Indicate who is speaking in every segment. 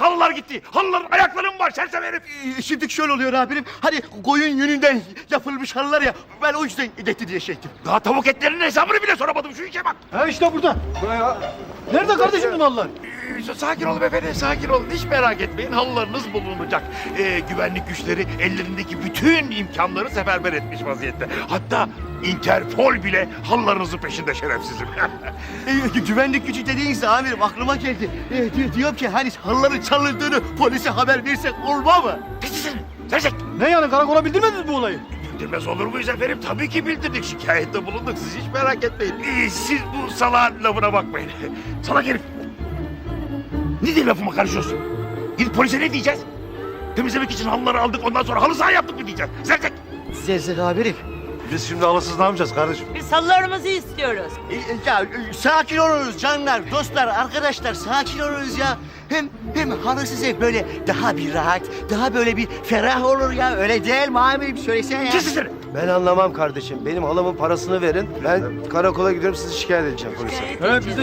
Speaker 1: Halılar gitti. Halıların ayakları mı var sersem herif?
Speaker 2: Şimdi şöyle oluyor amirim. Hani koyun yününden yapılmış halılar ya. Ben o yüzden gitti diye şey ettim.
Speaker 1: Daha tavuk etlerinin hesabını bile soramadım şu işe bak.
Speaker 3: Ha işte burada. Nerede kardeşim bu mallar?
Speaker 1: Sakin olun efendim, sakin olun. Hiç merak etmeyin, halılarınız bulunacak. Güvenlik güçleri ellerindeki bütün imkanları seferber etmiş vaziyette. Hatta Interpol bile halılarınızın peşinde şerefsizim.
Speaker 2: Güvenlik gücü dediğinizde amirim aklıma geldi. Diyorum ki hani halıların çalındığını polise haber versek olmaz mı?
Speaker 1: Kesin, sersek.
Speaker 3: Ne yani karakola bildirmediniz bu olayı?
Speaker 1: Bildirmez olur muyuz efendim? Tabii ki bildirdik, şikayette bulunduk. Siz hiç merak etmeyin. Siz bu salağın lafına bakmayın. Salak herif. Ne diye lafıma karışıyorsun? Gidip polise ne diyeceğiz? Temizlemek için halıları aldık, ondan sonra halı saha yaptık mı diyeceğiz? Sersek.
Speaker 2: Zerzek amirim.
Speaker 4: Biz şimdi halısız ne yapacağız kardeşim?
Speaker 5: Biz halılarımızı istiyoruz.
Speaker 2: Sakin olunuz canlar, dostlar, arkadaşlar sakin olunuz ya. Hem halısız ev böyle daha bir rahat, daha böyle bir ferah olur ya. Öyle değil mi amirim? Söylesene ya.
Speaker 1: Kesin seni.
Speaker 6: Ben anlamam kardeşim. Benim halamın parasını verin. Ben karakola gidiyorum, sizi şikayet edeceğim polise.
Speaker 3: Evet biz de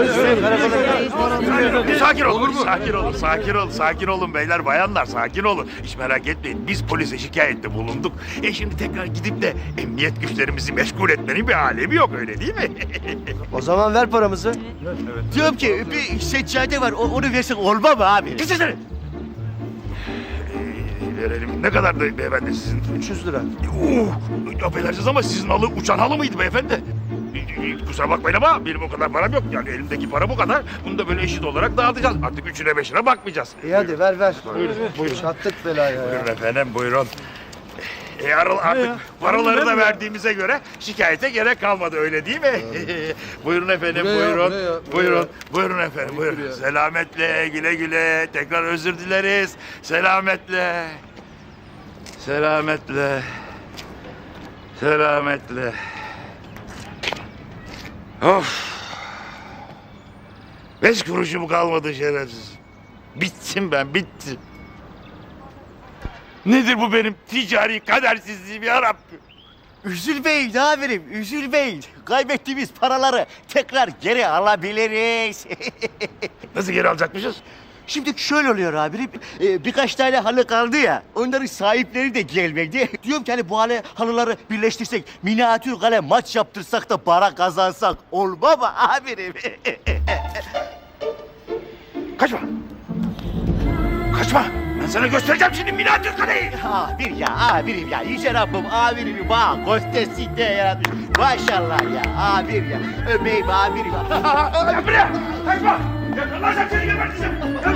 Speaker 1: Sakin olun, sakin olun beyler, bayanlar, sakin olun. Hiç merak etmeyin, biz polise şikayette bulunduk. Şimdi tekrar gidip de emniyet güçlerimizi meşgul etmenin bir alemi yok, öyle değil mi?
Speaker 6: O zaman ver paramızı.
Speaker 2: Diyorum ki bir seccade var, onu versek olmaz mı abi?
Speaker 1: Kesin seni. Verelim. Ne kadardı beyefendi sizin?
Speaker 6: 300 lira.
Speaker 1: Affedersiniz ama sizin halı uçan halı mıydı beyefendi? Kusura bakmayın ama benim o kadar param yok. Yani elimdeki para bu kadar. Bunu da böyle eşit olarak dağıtacağız. Artık üçüne beşine bakmayacağız.
Speaker 6: İyi hadi ver.
Speaker 1: Buyurun.
Speaker 6: Çattık belaya ya.
Speaker 1: Buyurun efendim, buyurun. Artık paraları da verdiğimize göre şikayete gerek kalmadı, öyle değil mi? Buyurun efendim, buyurun efendim, buyurun. Selametle, güle güle. Tekrar özür dileriz. Selametle. Of. 5 kuruşum kalmadı şerefsiz. Bittim ben, bittim. Nedir bu benim ticari kadersizliğim yarabbim?
Speaker 2: Üzülmeyin amirim, üzülmeyin. Kaybettiğimiz paraları tekrar geri alabiliriz.
Speaker 1: Nasıl geri alacakmışız?
Speaker 2: Şimdi şöyle oluyor amirim, birkaç tane halı kaldı ya, onların sahipleri de gelmedi. Diyorum ki hani bu halıları birleştirsek, minyatür kale maç yaptırsak da para kazansak olmaz mı amirim?
Speaker 1: Kaçma. Ben sana göstereceğim şimdi minyatür kaleyi.
Speaker 2: Amirim ya, yüce Rabbim amirimi bana göstersin diye yaratmış. Maşallah ya, amir ya, öpeyim amirim.
Speaker 1: Gel buraya. Kaçma. Yakalarsan seni geberteceğim. Gel